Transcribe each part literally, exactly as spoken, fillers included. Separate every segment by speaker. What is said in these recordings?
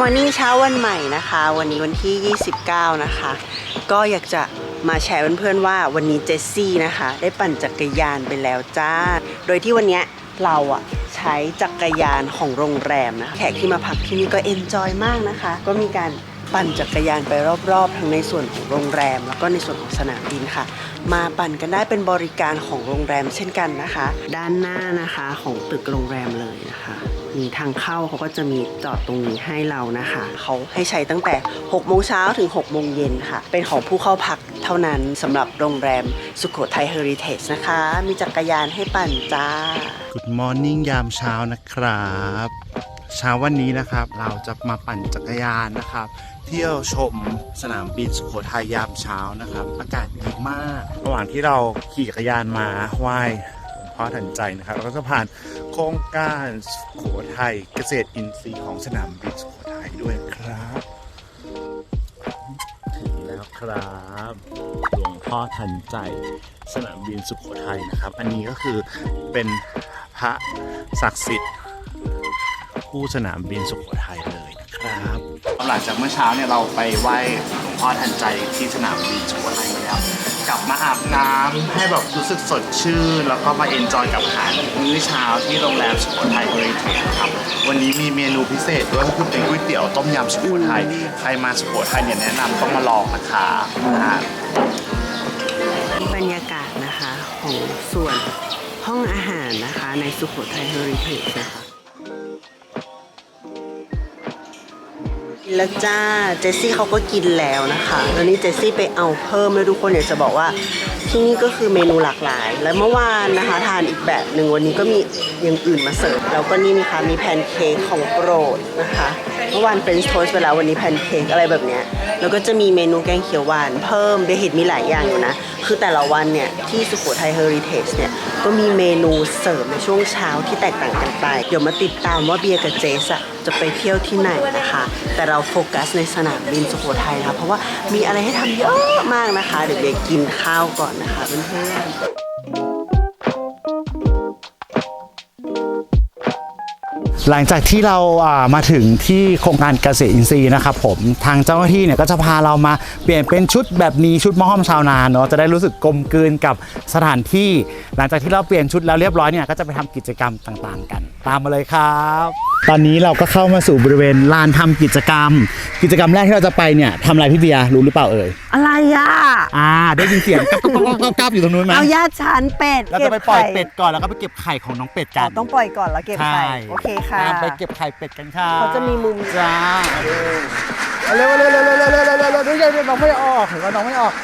Speaker 1: Morning เช้าวันใหม่นะคะวันนี้วันที่ยี่สิบเก้านะคะก็อยากจะมาแชร์เพื่อนๆว่าวันนี้เจสซี่นะคะได้ปั่นจักรยานไปแล้วจ้าโดยที่วันนี้เราอะใช้จักรยานของโรงแรมนะแขกที่มาพักที่นี่ก็เอนจอยมากนะคะก็มีการปั่นจักรยานไปรอบๆทั้งในส่วนของโรงแรมแล้วก็ในส่วนของสนามบินค่ะมาปั่นกันได้เป็นบริการของโรงแรมเช่นกันนะคะด้านหน้านะคะของตึกโรงแรมเลยนะคะมีทางเข้าเขาก็จะมีจอดตรงนี้ให้เรานะคะเขาให้ใช้ตั้งแต่หกโมงเช้าถึงหกโมงเย็นค่ะเป็นของผู้เข้าพักเท่านั้นสำหรับโรงแรมสุโขทัยเฮอริเทจนะคะมีจักรยานให้ปั่นจ้า
Speaker 2: Good morning ยามเช้านะครับเช้าวันนี้นะครับเราจะมาปั่นจักรยานนะครับเที่ยวชมสนามบินสุโขทัยยามเช้านะครับอากาศดีมากระหว่างที่เราขี่จักรยานมาไหว้หลวงพ่อทันใจนะครับเราก็จะผ่านโครงการสุโขทัยเกษตรอินทรีย์ของสนามบินสุโขทัยด้วยครับถึงแล้วครับหลวงพ่อทันใจสนามบินสุโขทัยนะครับอันนี้ก็คือเป็นพระศักดิ์สิทธิ์คู่สนามบินสุโขทัยเลยนะครับหลังจากเมื่อเช้าเนี่ยเราไปไหว้หลวงพ่อทันใจที่สนามบินสุโขทัยมาแล้วกลับมาอาบน้ำให้แบบรู้สึกสดชื่นแล้วก็มาเอนจอยกับอาหารมื้อเช้าที่โรงแรมสุโขทัยเฮอริเทจครับวันนี้มีเมนูพิเศษด้วยก็คือเป็นก๋วยเตี๋ยวต้มยำสุโขทัยใครมาสุโขทัยเนี่ยแนะนำต้องมาลองนะคะ
Speaker 1: บรรยากาศนะคะของส่วนห้องอาหารนะคะในสุโขทัยเฮอริเทจนะคะแล้วจ้าเจสซี่เขาก็กินแล้วนะคะแล้วนี่เจสซี่ไปเอาเพิ่มเลยทุกคนอยากจะบอกว่าที่นี่ก็คือเมนูหลากหลายและเมื่อวานนะคะทานอีกแบบหนึ่งวันนี้ก็มีอย่างอื่นมาเสิร์ฟแล้วก็นี่นะคะมีแพนเค้กของโปรดนะคะเมื่อวานเฟรนช์โทสต์ไปแล้ววันนี้แพนเค้กอะไรแบบเนี้ยแล้วก็จะมีเมนูแกงเขียวหวานเพิ่มเบเห็ดมีหลายอย่างอยู่นะคือแต่ละวันเนี่ยที่สุโขทัยเฮอริเทจเนี่ยก็มีเมนูเสิร์ฟในช่วงเช้าที่แตกต่างกันไปเดี๋ยวมาติดตามว่าเบียร์กับเจสอะจะไปเที่ยวที่ไหนนะคะแต่เราโฟกัสในสนามบินสุโขทัยนะคะเพราะว่ามีอะไรให้ทำเยอะมากนะคะเดี๋ยวเบียร์กินข้าวก่อนนะคะเพื่อนๆ
Speaker 2: หลังจากที่เรามาถึงที่โครงการเกษตรอินทรีย์นะครับผมทางเจ้าหน้าที่เนี่ยก็จะพาเรามาเปลี่ยนเป็นชุดแบบนี้ชุดมอห้อมชาวนาเนาะจะได้รู้สึกกลมกลืนกับสถานที่หลังจากที่เราเปลี่ยนชุดแล้วเรียบร้อยเนี่ยก็จะไปทำกิจกรรมต่างๆกันตามมาเลยครับตอนนี้เราก็เข้ามาสู่บริเวณลานทำกิจกรรมกิจกรรมแรกที่เราจะไปเนี่ยทำอะไรพี่เบียร์รู้หรือเปล่าเอ่ย
Speaker 1: อะไรอ่ะ
Speaker 2: อ่าได้ยินเสียงก๊อบก๊อบอยู่ตรงนู้นไหม
Speaker 1: เอาญาติฉันเป็ด
Speaker 2: เราจะไปปล่อยเป็ดก่อนแล้วก็ไปเก็บไข่ของน้องเป็ดกัน
Speaker 1: ต้องปล่อยก่อนแล้วเก็บไข่โอเคค่ะ
Speaker 2: ไปเก็บไข่เป็ดกันค่ะ
Speaker 1: เขาจะมีมุม
Speaker 2: จ้าเร็วเร็วเร็วเร็วเร็วเร็วเร็วเร็วเร็วเร็วน้องไม่ออกเห็นว่าน้องไม่ออก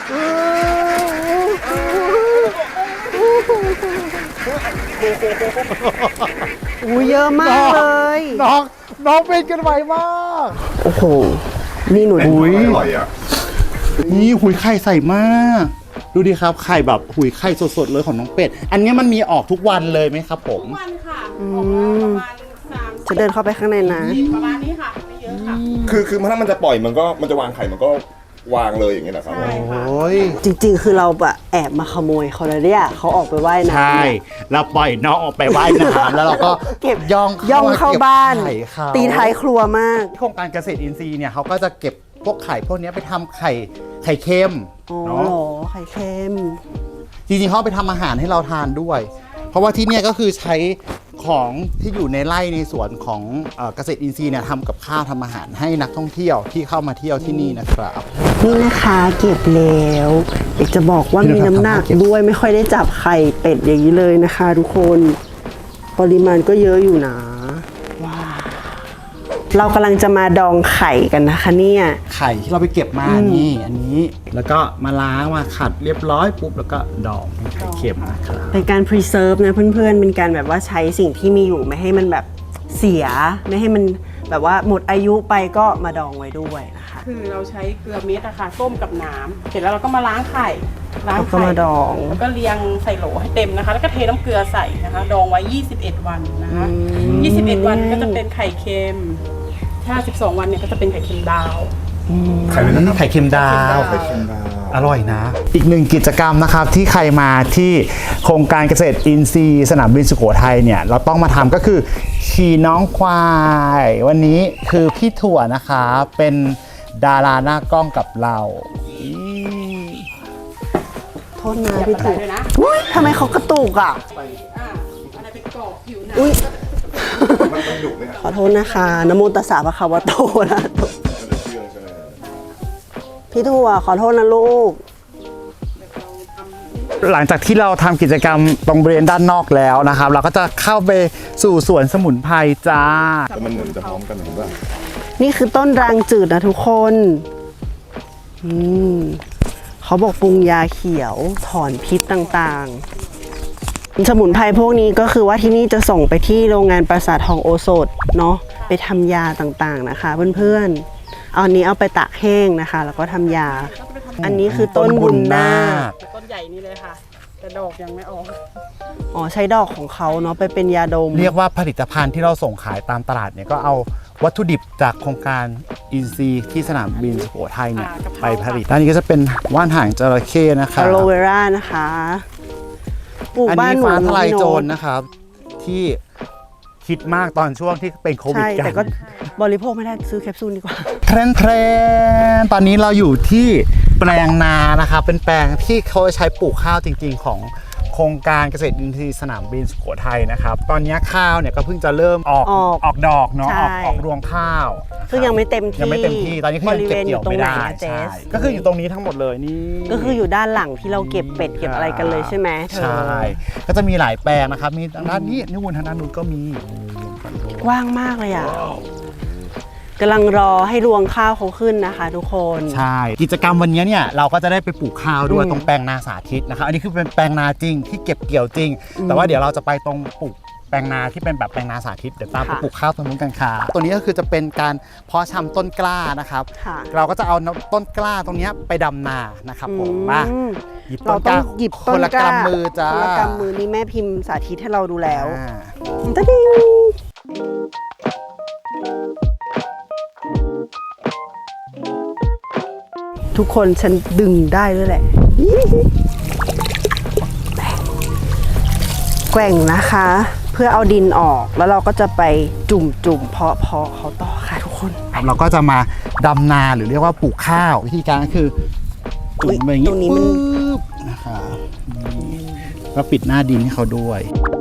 Speaker 1: อู้เยอะมากเลย
Speaker 2: น้องน้องเป็นกันไวมาก
Speaker 1: โอ้โหนี่หนู
Speaker 2: หุยอร่อยอ่ะนี่หุยไข่ใส่มากดูดิครับไข่แบบหุยไข่สดๆเลยของน้องเป็ดอันนี้มันมีออกทุกวันเลยไหมครับผม
Speaker 3: ทุกวันค่ะ
Speaker 1: จะเดินเข้าไปข้างในนะ
Speaker 3: ประมาณนี้ค่ะไม่เยอะค่ะ
Speaker 4: คือคือถ้ามันจะปล่อยมันก็มันจะวางไข่มันก็วางเลยอย่างเงี้ยนะครับ
Speaker 2: โอ้ย
Speaker 1: จริงๆคือเราแบบแอบมาขโมยเขาเลยเนี่ยเขาออกไปว่ายน้ำ
Speaker 2: ใช่เราปล่อยน้องออกไปว่ายน้ำแล้วเราก็
Speaker 1: เก็บ
Speaker 2: ย่อง
Speaker 1: ย่องเข้าบ้านตีท้ายครัวมาก
Speaker 2: โครงการเกษตรอินทรีย์เนี่ยเขาก็จะเก็บพวกไข่พวกนี้ไปทำไข่ไข่เค็ม
Speaker 1: เนาะไข่เค็ม
Speaker 2: จริงๆเขาไปทำอาหารให้เราทานด้วยเพราะว่าที่เนี่ยก็คือใช้ของที่อยู่ในไร่ในสวนของเกษตรอินทรีย์เนี่ยทำกับข้าวทำอาหารให้นักท่องเที่ยวที่เข้ามาเที่ยวที่นี่นะครับ
Speaker 1: นี่นะคะเก็บแล้วอยากจะบอกว่ามีน้ำหนักด้วยไม่ค่อยได้จับไข่เป็ดอย่างนี้เลยนะคะทุกคนปริมาณก็เยอะอยู่นะว้าเรากำลังจะมาดองไข่กันนะคะเนี่ย
Speaker 2: ไข่ที่เราไปเก็บมานี่อันนี้แล้วก็มาล้างมาขัดเรียบร้อยปุ๊บแล้วก็ดองไข่เค็มนะครับ
Speaker 1: เป็นการ preserve นะเพื่อนๆเป็นการแบบว่าใช้สิ่งที่มีอยู่ไม่ให้มันแบบเสียไม่ให้มันแบบว่าหมดอายุไปก็มาดองไว้ด้วยนะคะ
Speaker 3: คือเราใช้เกลือเม็ดอะค่ะต้มกับน้ำเสร็จแล้วเราก็มาล้างไข่
Speaker 1: ล้างไข่มาดอง
Speaker 3: แล้วก็เรียงใส่โหลให้เต็มนะคะแล้วก็เทน้ำเกลือใส่นะคะดองไว้ยี่สิบเอ็ดวันนะคะยี่สิบเอ็ดวันก็จะเป็นไข่เค็มถ้าสิบสองวันเนี่ยก็จะเป็นไข่เค็มดาว
Speaker 2: ไข่เป็นไข่เค็มดาว
Speaker 4: ไข่เค็มดาว
Speaker 2: อร่อยนะ อีกหนึ่งกิจกรรมนะครับที่ใครมาที่โครงการเกษตรอินทรีย์สนามบินสุโขทัยเนี่ยเราต้องมาทำก็คือขี่น้องควาย วันนี้คือพี่ถั่วนะคะเป็นดาราหน้ากล้องกับเราอี
Speaker 1: โทษนะพี่ถูก
Speaker 3: ด้วยนะ
Speaker 1: อุ้ยทำไมเขากระตุกอ่ะ
Speaker 3: อ่าอันนี้เป็นกรอบผิวหนัง
Speaker 1: อุ้ย
Speaker 4: มันมันดุไหมครับ
Speaker 1: ขอโทษนะคะนะโมตัสสะภะคะวะโตนะ
Speaker 4: มันจะเชื่องใช่ไหม
Speaker 1: พี่ถั่วขอโทษนะลูก
Speaker 2: หลังจากที่เราทำกิจกรรมตรงบริเวณด้านนอกแล้วนะครับ เราก็จะเข้าไปสู่สวนสมุนไพรจ้า
Speaker 4: แต่มันเหมือนจะพร้อมกันเห็นป่ะ
Speaker 1: นี่คือต้นรางจืดนะทุกคนอืมเขาบอกปรุงยาเขียวถอนพิษต่างๆ สมุนไพรพวกนี้ก็คือว่าที่นี่จะส่งไปที่โรงงานปราสาททองโอสถเนาะไปทำยาต่างๆนะคะเพื่อนๆเอาอันนี้เอาไปตากแห้งนะคะ แล้วก็ทำยา อันนี้คือต้นบุญนาค
Speaker 3: ต้นใหญ่นี่เลยค่ะ แต่ดอกยังไม่ออก
Speaker 1: อ๋อใช้ดอกของเขาเนาะไปเป็นยาดม
Speaker 2: เรียกว่าผลิตภัณฑ์ที่เราส่งขายตามตลาดเนี่ยก็เอาวัตถุดิบจากโครงการอินซีย์ที่สนามบินสุโขทัยเนี่ย
Speaker 3: อ่ากะเพ
Speaker 2: ไป
Speaker 3: รา
Speaker 2: ผลิตด้านนี้ก็จะเป็นว่านหางจระเข้นะคะ
Speaker 1: อะโลเวรานะคะปลูก
Speaker 2: อัน
Speaker 1: บ้าน
Speaker 2: นี้
Speaker 1: หนู
Speaker 2: ฟ้าทลาย
Speaker 1: พี่
Speaker 2: โจ
Speaker 1: โน้
Speaker 2: ร
Speaker 1: ต
Speaker 2: นะครับ ที่คิดมากตอนช่วงที่เป็นโควิด
Speaker 1: ใช่
Speaker 2: กั
Speaker 1: แต่
Speaker 2: น
Speaker 1: ก็บริโภคไม่ได้ซื้อแคปซูลดีกว่า
Speaker 2: เทรนเทรนตอนนี้เราอยู่ที่แปลงนานะครับเป็นแปลงที่เขาใช้ปลูกข้าวจริง ๆ ของโครงการเกษตรอินทรีย์สนามบินสุโขทัยนะครับ ตอนนี้ข้าวเนี่ยก็เพิ่งจะเริ่มออก
Speaker 1: ออก
Speaker 2: ออกดอกเนาะ
Speaker 1: ใช่
Speaker 2: ออกออกรวงข้าวนะครับ
Speaker 1: ซึ่งยังไม่เต็มที่
Speaker 2: ยังไม่เต็มที่ตอนนี้คือยังเก็บเกี่ยวไม่ได้
Speaker 1: บริเวณอยู่ตรงไหนอะเจส
Speaker 2: ใช่ก็คืออยู่ตรงนี้ทั้งหมดเลยนี่
Speaker 1: ก็คืออยู่ด้านหลังที่เราเก็บเป็ดเก็บอะไรกันเลยใช่ไหมเธอ
Speaker 2: ใช่ก็จะมีหลายแปลงนะครับมีทางด้านนี้นู่นทางด้านนู้นก็มี
Speaker 1: กว้างมากเลยอ่ะกำลังรอให้รวงข้าวเขาขึ้นนะคะ ทุกคน
Speaker 2: ใช่ กิจกรรมวันนี้เนี่ยเราก็จะได้ไปปลูกข้าวด้วย
Speaker 1: อืม
Speaker 2: ตรงแปลงนาสาธิตนะครับอันนี้คือเป็นแปลงนาจริงที่เก็บเกี่ยวจริง แต่ว่าเดี๋ยวเราจะไปตรงปลูกแปลงนาที่เป็นแบบแปลงนาสาธิตเดี๋ยวตามไป
Speaker 1: ค่ะ
Speaker 2: ปลูกข้าวตรงนู้นกันค่ะตัวนี้ก็คือจะเป็นการเพาะชำต้นกล้านะครับ
Speaker 1: ค่ะ
Speaker 2: เราก็จะเอาต้นกล้าตรงเนี้ยไปดำนานะครับผมมา
Speaker 1: อืม
Speaker 2: หยิบต้
Speaker 1: เรา
Speaker 2: นก
Speaker 1: ต้อ
Speaker 2: ล้าง
Speaker 1: หยิบ
Speaker 2: ค
Speaker 1: ต้น
Speaker 2: นละ
Speaker 1: กล้าก
Speaker 2: ำมือจ้า
Speaker 1: คนละกำมือนี่แม่พิมพ์สาธิตให้เราดูแล้ว
Speaker 2: อ่า
Speaker 1: ตะดิงทุกคนฉันดึงได้ด้วยแหละ แกว่งนะคะ เพื่อเอาดินออกแล้วเราก็จะไปจุ่มจุ่มๆเพาะเพาะเขาต่อค่ะทุกคน
Speaker 2: ครับเราก็จะมาดำนาหรือเรียกว่าปลูกข้าววิธีการก็คือจุ่มไปอย่าง
Speaker 1: ตรงนี้มัน
Speaker 2: ปึ๊บนะครับนี่ก็ปิดหน้าดินให้เขาด้วย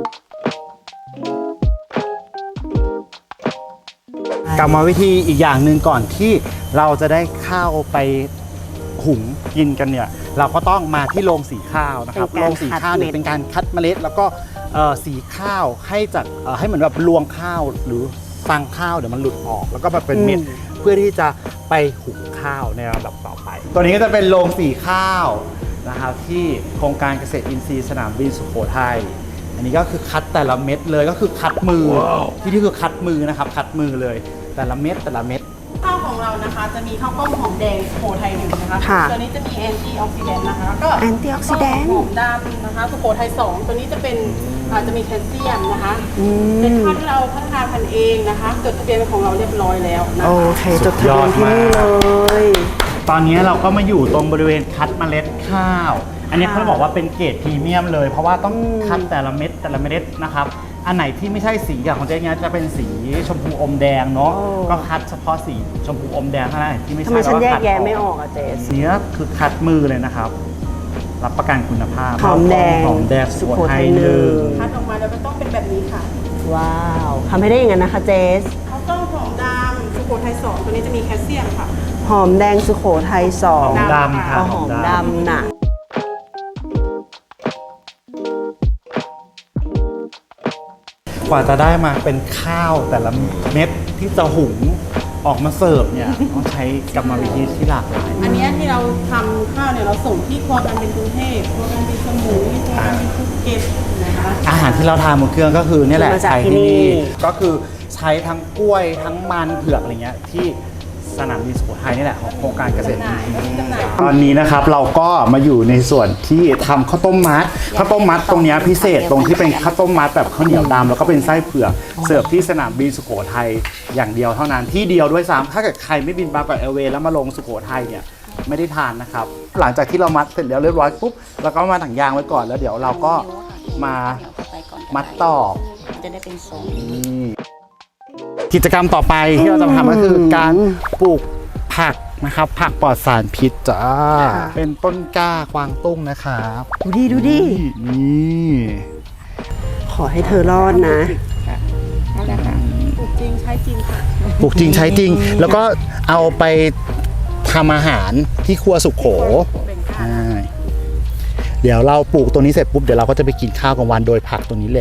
Speaker 2: กรรมวิธีอีกอย่างหนึ่งก่อนที่เราจะได้ข้าวไปหุงกินกันเนี่ยเราก็ต้องมาที่โรงสีข้าวนะครับ
Speaker 1: เป็น
Speaker 2: โร
Speaker 1: การ
Speaker 2: งสีข้าวเนี่ย
Speaker 1: คัดเม็ด
Speaker 2: เป็นการคัดเมล็ด แล้วก็เอ่อสีข้าวให้จากเอ่อให้เหมือนแบบรวงข้าวหรือฟังข้าวเดี๋ยวมันหลุดออก แล้วก็มาเป็นเม็ดเพื่อที่จะไปหุงข้าวในลำดับต่อไป ตัวนี้ก็จะเป็นโรงสีข้าวนะครับที่โครงการเกษตรอินทรีย์สนามบินสุโขทัยอันนี้ก็คือคัดแต่ละเม็ดเลยก็คือคัดมือ ที่นี่คือคัดมือนะครับคัดมือเลย แต่ละเม็ดแต่ละเม็ด
Speaker 3: ข้าวของเรานะคะจะมีข้าวกล้องหอมแดงสุโขทัยหนึ่งนะคะ
Speaker 1: ค่ะ
Speaker 3: ตัวนี้จะมีแอนตี้ออกซิแดนต์นะคะแล้วก็
Speaker 1: Antioxidant
Speaker 3: หอมดำนะคะสุโขทัยสองตัวนี้จะเป็นอาจจะมีแคลเซียมนะคะ
Speaker 1: อื
Speaker 3: เป็น
Speaker 1: ม
Speaker 3: ข้าวที่เราพัฒนาพันธุ์เองนะคะจดทะเบียนเป็นของเราเรียบร้อยแล้วนะ
Speaker 1: โอ
Speaker 3: คะ
Speaker 1: เคจดทะเบียนที่นี่เลย
Speaker 2: ตอนนี้เราก็มาอยู่ตรงบริเวณคัดเมล็ดข้าว อันนี้
Speaker 1: ค่ะ
Speaker 2: เขาบอกว่าเป็นเกรดพรีเมียมเลย เพราะว่าต้องคัดแต่ละเม็ดแต่ละเมล็ดนะครับ อันไหนที่ไม่ใช่สีอย่างของเจ๊เนี้ยจะเป็นสีชมพูอมแดงเนาะ ก็คัดเฉพาะสีชมพูอมแดงเท่านั้นที่ไม่ใช่
Speaker 1: ทำไมฉัน
Speaker 2: เรา
Speaker 1: แยก
Speaker 2: คัด
Speaker 1: แยะไม่ออกอะเจส
Speaker 2: เนี้ยคือคัดมือเลยนะครับ รับประกันคุณภาพ
Speaker 1: หอมแดง
Speaker 2: หอมแดงสุโขทัย
Speaker 1: สุโขทัย
Speaker 2: หนึ่ง
Speaker 1: หนึ่ง
Speaker 3: คัดออกมาแล้วก็ต้องเป็นแบบนี้ค่ะ
Speaker 1: ว้าวทำให้ได้อย่างนั้นนะคะเจส
Speaker 3: ข้าวกล้องหอมดำสุโขทัยสองตัวนี้จะมีแคลเซียมค่ะ
Speaker 1: หอมแดงสุโขทัยสอ
Speaker 2: ห
Speaker 1: ง
Speaker 2: อมดำค่ะ
Speaker 1: เอาหอมดำน่ะ
Speaker 2: กว่าจะได้มาเป็นข้าวแต่ละเม็ดที่จะหุงออกมาเสิร์ฟเนี่ยต้องใช้กรรมวิธีที่หลากหลาย
Speaker 3: อันเนี้ยที่เราทำข้าวเนี่ยเราส่งที่ครัวการเป็นกรุงเทพครัวการเป็นสมุยครัวการเป็นภูเก็ตนะคะ
Speaker 2: อาหารที่เราทานบนเครื่องก็คือเนี่ยแหละ
Speaker 1: มาจาก
Speaker 2: ใช้
Speaker 1: ที่
Speaker 2: ที่
Speaker 1: นี่
Speaker 2: นี่ก็คือใช้ทั้งกล้วยทั้งมันเผือกอะไรเงี้ยที่สนามบินสุโขทัยนี่แหละของโครงการเกษตรอินทรีย์ตอนนี้นะครับเราก็มาอยู่ในส่วนที่ทำข้าวต้มมัดข้าวต้มมัดตรงเนี้ยพิเศษตรงที่เป็นข้าวต้มมัดแบบข้าวเหนียวดำแล้วก็เป็นไส้เผือกเสิร์ฟที่สนามบินสุโขทัยอย่างเดียวเท่านั้นที่เดียวด้วยซ้ำถ้าเกิดใครไม่บินบางกอกแอร์เวย์แล้วมาลงสุโขทัยเนี่ย
Speaker 5: ไม่ได้ทานนะครับ หลังจากที่เรามัดเสร็จแล้วเรียบร้อยปุ๊บเราก็มาถังยางไว้ก่อนแล้วเดี๋ยวเราก็มามัดต่อ
Speaker 6: จะได้เป็นทรง
Speaker 5: นี่กิจกรรมต่อไปที่เราจะทำก็คือการปลูกผักนะครับ ผักปลอดสารพิษจ้าเป็นต้นกล้ากวางตุ้งนะครับ
Speaker 1: ดูดิดูดิ
Speaker 5: นี่
Speaker 1: ขอให้เธอรอดนะ
Speaker 6: นั่นแหละค่ะ
Speaker 3: ปลูกจริงใช้จริงค่ะ
Speaker 5: ปลูกจริงใช้จริง แล้วก็เอาไปทำอาหารที่ครัวสุขโข
Speaker 3: แบ่งค่า
Speaker 5: ใช่เดี๋ยวเราปลูกตัวนี้เสร็จปุ๊บเดี๋ยวเราก็จะไปกินข้าวกลางวันโดยผักตัวนี้แหละ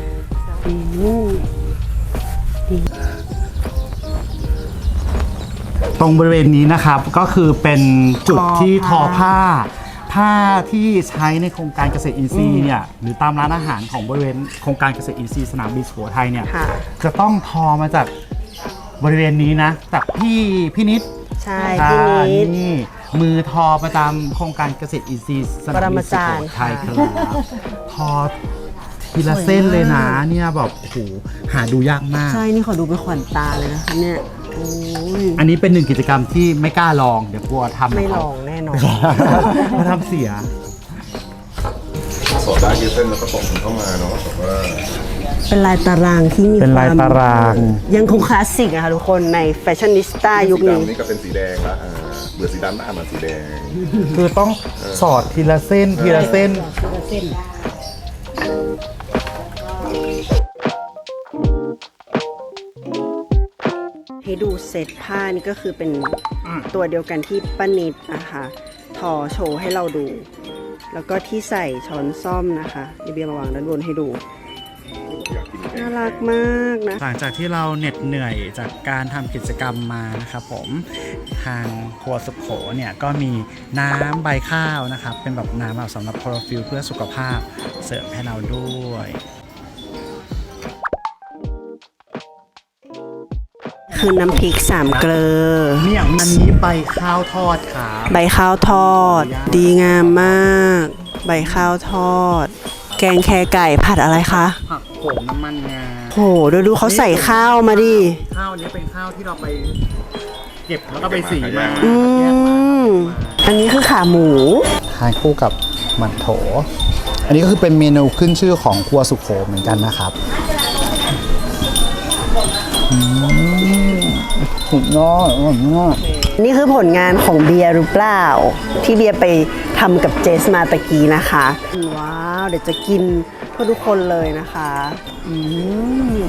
Speaker 5: ตรงบริเวณนี้นะครับก็คือเป็นจุดที่ทอผ้า ผ้าที่ใช้ในโครงการเกษตรอินทรีย์เนี่ยหรือตามร้านอาหารของบริเวณโครงการเกษตรอินทรีย์สนามบินสุโขทัยเนี่ย
Speaker 1: ค่ะ
Speaker 5: จะต้องทอมาจากบริเวณนี้นะจากพี่พี่นิด
Speaker 1: ใช่พี่นิด
Speaker 5: นี่มือทอประจำโครงการเกษตรอินทรีย์สนามบินสุโขทัยครับทอทีละเส้นเลยนะเนี่ยแบบโอ้โหหาดูยากมาก
Speaker 1: ใช่ นี่ขอดูเป็นขวัญตาเลยนะคะเนี่ย โอ้ย
Speaker 5: อันนี้เป็นหนึ่งกิจกรรมที่ไม่กล้าลองเดี๋ยวกลัวทำ
Speaker 1: ไม่ลองแน่นอน
Speaker 5: มาทำเสีย
Speaker 4: สอดได้ยืดเส้นแล้วก็ตรงเข้ามาเนาะแต่ว่า
Speaker 1: เป็นลายตารางที่มี
Speaker 5: เป็นลาย
Speaker 1: ควม
Speaker 5: ตาราง
Speaker 1: ยังคงคลาสสิกอะค่ะทุกคนในแฟชั่นนิสต้ายุค
Speaker 4: สี
Speaker 1: นี้
Speaker 4: ดำนี่ก็เป็นสีแดงละอ่าเบื่อสีดำหน้ามาสีแดง
Speaker 5: คือต้องสอดทีละเส้นทีละเส้น
Speaker 6: เส้น
Speaker 1: ให้ดูเซตผ้านี่ก็คือเป็นตัวเดียวกันที่ป้านิดนะคะทอโชว์ให้เราดู แล้วก็ที่ใส่ช้อนซ่อมนะคะเดี๋ยวเบียร์มาวางด้านบนให้ดู น่ารักมากนะ
Speaker 5: หลังจากที่เราเหน็ดเหนื่อยจากการทำกิจกรรมมานะครับผมทางครัวสุขโขเนี่ยก็มีน้ำใบข้าวนะครับ เป็นแบบน้ำแบบสำหรับคลอโรฟิลเพื่อสุขภาพเสริมให้เราด้วย
Speaker 1: คือน้ำพริกสามเกลือ
Speaker 5: เนี่ยอันนี้ใบข้าวทอดครับ
Speaker 1: ใบข้าวทอด ดีงามมาก ใบข้าวทอด แกงแคไก่ผัดอะไรคะ
Speaker 5: ผักโขมน้ำมันงา
Speaker 1: โหดูดูเขาใส่ข้าวมาดิ
Speaker 5: ข้าวนี้เป็นข้าวที่เราไปเก็บแล้วก็ไปสีมา
Speaker 1: อืมอันนี้คือขาหมู
Speaker 5: ทานคู่กับหมันโถ อันนี้ก็คือเป็นเมนูขึ้นชื่อของครัวสุโขเหมือนกันนะครับอืมสุดยอดอร่อยมาก
Speaker 1: นี่คือผลงานของเบียร์หรือเปล่า ที่เบียร์ไปทำกับเจสมาตะกี้นะคะ ว้าว เดี๋ยวจะกินเพื่อทุกคนเลยนะคะ อืม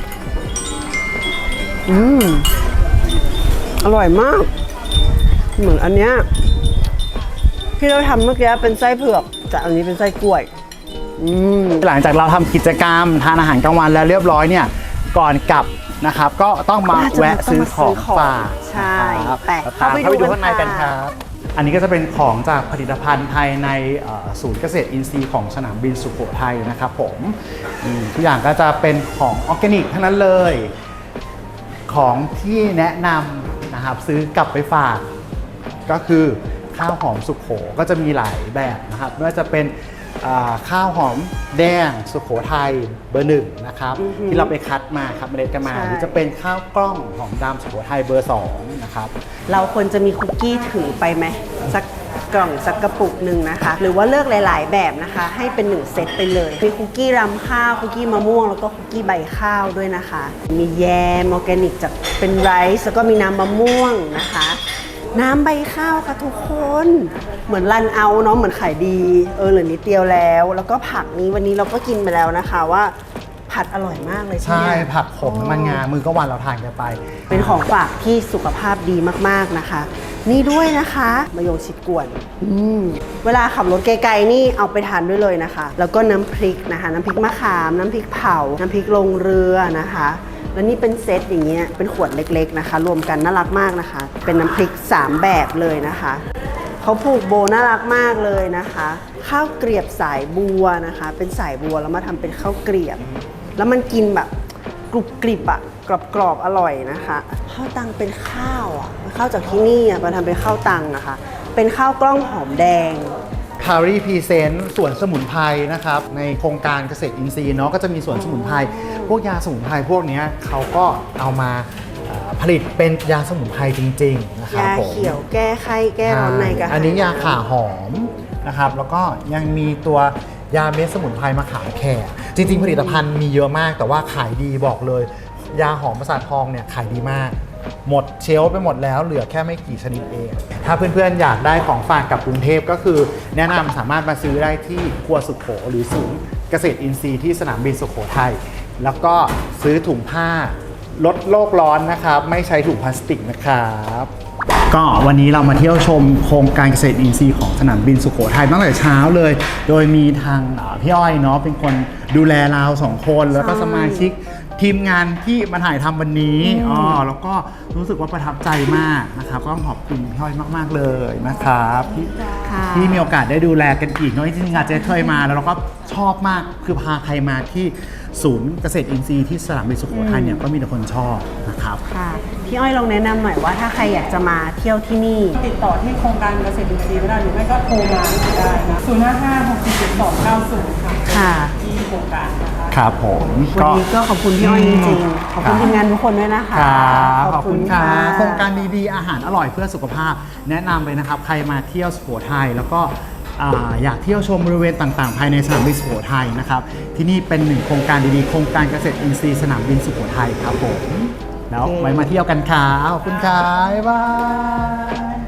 Speaker 1: อืม อร่อยมาก เหมือนอันเนี้ยที่เราทำเมื่อกี้เป็นไส้เผือกแต่อันนี้เป็นไส้กล้วย อืม
Speaker 5: หลังจากเราทำกิจกรรมทานอาหารกลางวันแล้วเรียบร้อยเนี่ยก่อนกลับนะครับ ก็ต้องมา
Speaker 1: น่าจะ
Speaker 5: แวะซื้อของฝาก
Speaker 1: ใช่
Speaker 5: นะครับ
Speaker 1: ไป
Speaker 5: ตาม
Speaker 1: เข้าไป
Speaker 5: เข้าไป
Speaker 1: ดู
Speaker 5: ดูข้างใน
Speaker 1: กั
Speaker 5: กัน น
Speaker 1: ค่ะ
Speaker 5: ครับ อันนี้ก็จะเป็นของจากผลิตภัณฑ์ภายในเอ่อศูนย์เกษตรอินทรีย์ของสนามบินสุโขทัยนะครับผมอืมทุกอย่างก็จะเป็นของออร์แกนิกทั้งนั้นเลย ของที่แนะนำนะครับซื้อกลับไปฝาก ก็คือข้าวหอมสุโขก็จะมีหลายแบบนะครับไม่ว่าจะเป็นอ่าข้าวหอมแดงสุโขทัยเบอร์หนึ่งนะครับที่เราไปคัดมาครับเมล็ดกันมา
Speaker 1: ใช่
Speaker 5: หรือจะเป็นข้าวกล้องหอมดำสุโขทัยเบอร์สองนะครับ
Speaker 1: เราควรจะมีคุกกี้ถือไปไหมสักกล่องสักกระปุกหนึ่งนะคะ หรือว่าเลือกหลาย ๆ แบบนะคะ ให้เป็นหนึ่งเซตไปเลย มีคุกกี้รำข้าวคุกกี้มะม่วงแล้วก็คุกกี้ใบข้าวด้วยนะคะ มีแยมออร์แกนิกจากเป็นไรซ์แล้วก็มีน้ำมะม่วงนะคะ น้ำใบข้าวค่ะทุกคน เหมือนรันเอาเนาะเหมือนขายดีเออเหลือนิดเดียวแล้ว แล้วก็ผักนี้วันนี้เราก็กินไปแล้วนะคะว่าผัดอร่อยมากเลย
Speaker 5: ใช่
Speaker 1: เนี่ย
Speaker 5: ผักขมน้ำมันงามือก็วันเราทานกันไป
Speaker 1: เป็นของฝากที่สุขภาพดีมากๆนะคะ นี่ด้วยนะคะมะยงชิดกวนอืมเวลาขับรถไกลๆนี่เอาไปทานด้วยเลยนะคะ แล้วก็น้ำพริกนะคะ น้ำพริกมะขามน้ำพริกเผาน้ำพริกลงเรือนะคะแล้วนี่เป็นเซตอย่างเงี้ยเป็นขวดเล็กๆนะคะ รวมกันน่ารักมากนะคะ เป็นน้ำพริกสามแบบเลยนะคะเขาผูกโบน่ารักมากเลยนะคะ ข้าวเกลียบสายบัวนะคะ เป็นสายบัวแล้วมาทำเป็นข้าวเกลียบ แล้วมันกินแบบกรุบกริบอะกรอบๆอร่อยนะคะข้าวตังเป็นข้าวอะข้าวจากที่นี่อะมาทำเป็นข้าวตังนะคะ เป็นข้าวกล้องหอมแดง
Speaker 5: คารีพรีเซนต์สวนสมุนไพรนะครับในโครงการเกษตรอินทรีย์เนาะก็จะมีสวนสมุนไพรพวกยาสมุนไพรพวกเนี้ยเขาก็เอามาเอ่อผลิตเป็นยาสมุนไพรจริงๆนะครับ
Speaker 1: ยา
Speaker 5: ผม
Speaker 1: เขียวแก้ไข้แก้ร้อนในกระหาย
Speaker 5: อันนี้ยาข่าหอมนะครับแล้วก็ยังมีตัวยาเม็ดสมุนไพรมะขามแขกจริงๆ ผลิตภัณฑ์มีเยอะมากแต่ว่าขายดีบอกเลย ยาหอมประสาททองเนี่ยขายดีมาก หมดเชลฟ์ไปหมดแล้วเหลือแค่ไม่กี่ชนิดเอง ถ้าเพื่อนๆอยากได้ของฝากกับกรุงเทพก็คือ แนะนำสามารถมาซื้อได้ที่ครัวสุโขหรือศูนย์เกษตรอินทรีย์ที่สนามบินสุโขทัยแล้วก็ซื้อถุงผ้าลดโลกร้อนนะครับ ไม่ใช้ถุงพลาสติกนะครับ ก็วันนี้เรามาเที่ยวชมโครงการเกษตรอินทรีย์ของสนามบินสุโขทัยตั้งแต่เช้าเลย โดยมีทางเอ่อพี่อ้อยเนาะเป็นคนดูแลเราสองคนแล้วก็สมาชิกทีมงานที่มาถ่ายทำวันนี้อ๋อแล้วก็รู้สึกว่าประทับใจมากนะครับก็ต้องขอบคุณพี่อ้อยมากๆเลยนะครับที่ที่มีโอกาสได้ดูแลกันอีกเนาะจริงๆอาจจะเคยมาแล้วเราก็ชอบมากคือพาใครมาที่ศูนย์เกษตรอินทรีย์ที่สนามบินสุโขทัยเนี่ยก็มีแต่คนชอบนะครับ
Speaker 1: ค่ะพี่อ้อยลองแนะนำหน่อยว่าถ้าใครอยากจะมาเที่ยวที่นี่
Speaker 3: ติดต่อที่โครงการเกษตรอินทรีย์ก็ได้หรือไม่ก็โทรมาได้นะศูนย์ห้าห้าหกสี่เจ็ดสองเก้าศูนย์ค่ะ
Speaker 1: ค่ะ
Speaker 3: ที่โครงการนะคะ
Speaker 5: ครับผม
Speaker 1: วันนี้ก็ขอบคุณพี่อ้อยจริงๆขอบคุณทีมงานทุกคนด้วยนะคะ
Speaker 5: ครับขอบคุณค่ะ
Speaker 1: ะ
Speaker 5: โครงการดีๆอาหารอร่อยเพื่อสุขภาพ แนะนำเลยนะครับ ใครมาเที่ยวสุโขทัยแล้วก็อ่าอยากเที่ยวชมบริเวณต่างๆ ภายในสนามบินสุโขทัยนะครับที่นี่เป็นหนึ่งโครงการดีๆโครงการเกษตรอินทรีย์สนามบินสุโขทัยครับผมแล้วไว้มาเที่ยวกันค่ะขอบคุณค่ะบ๊ายบาย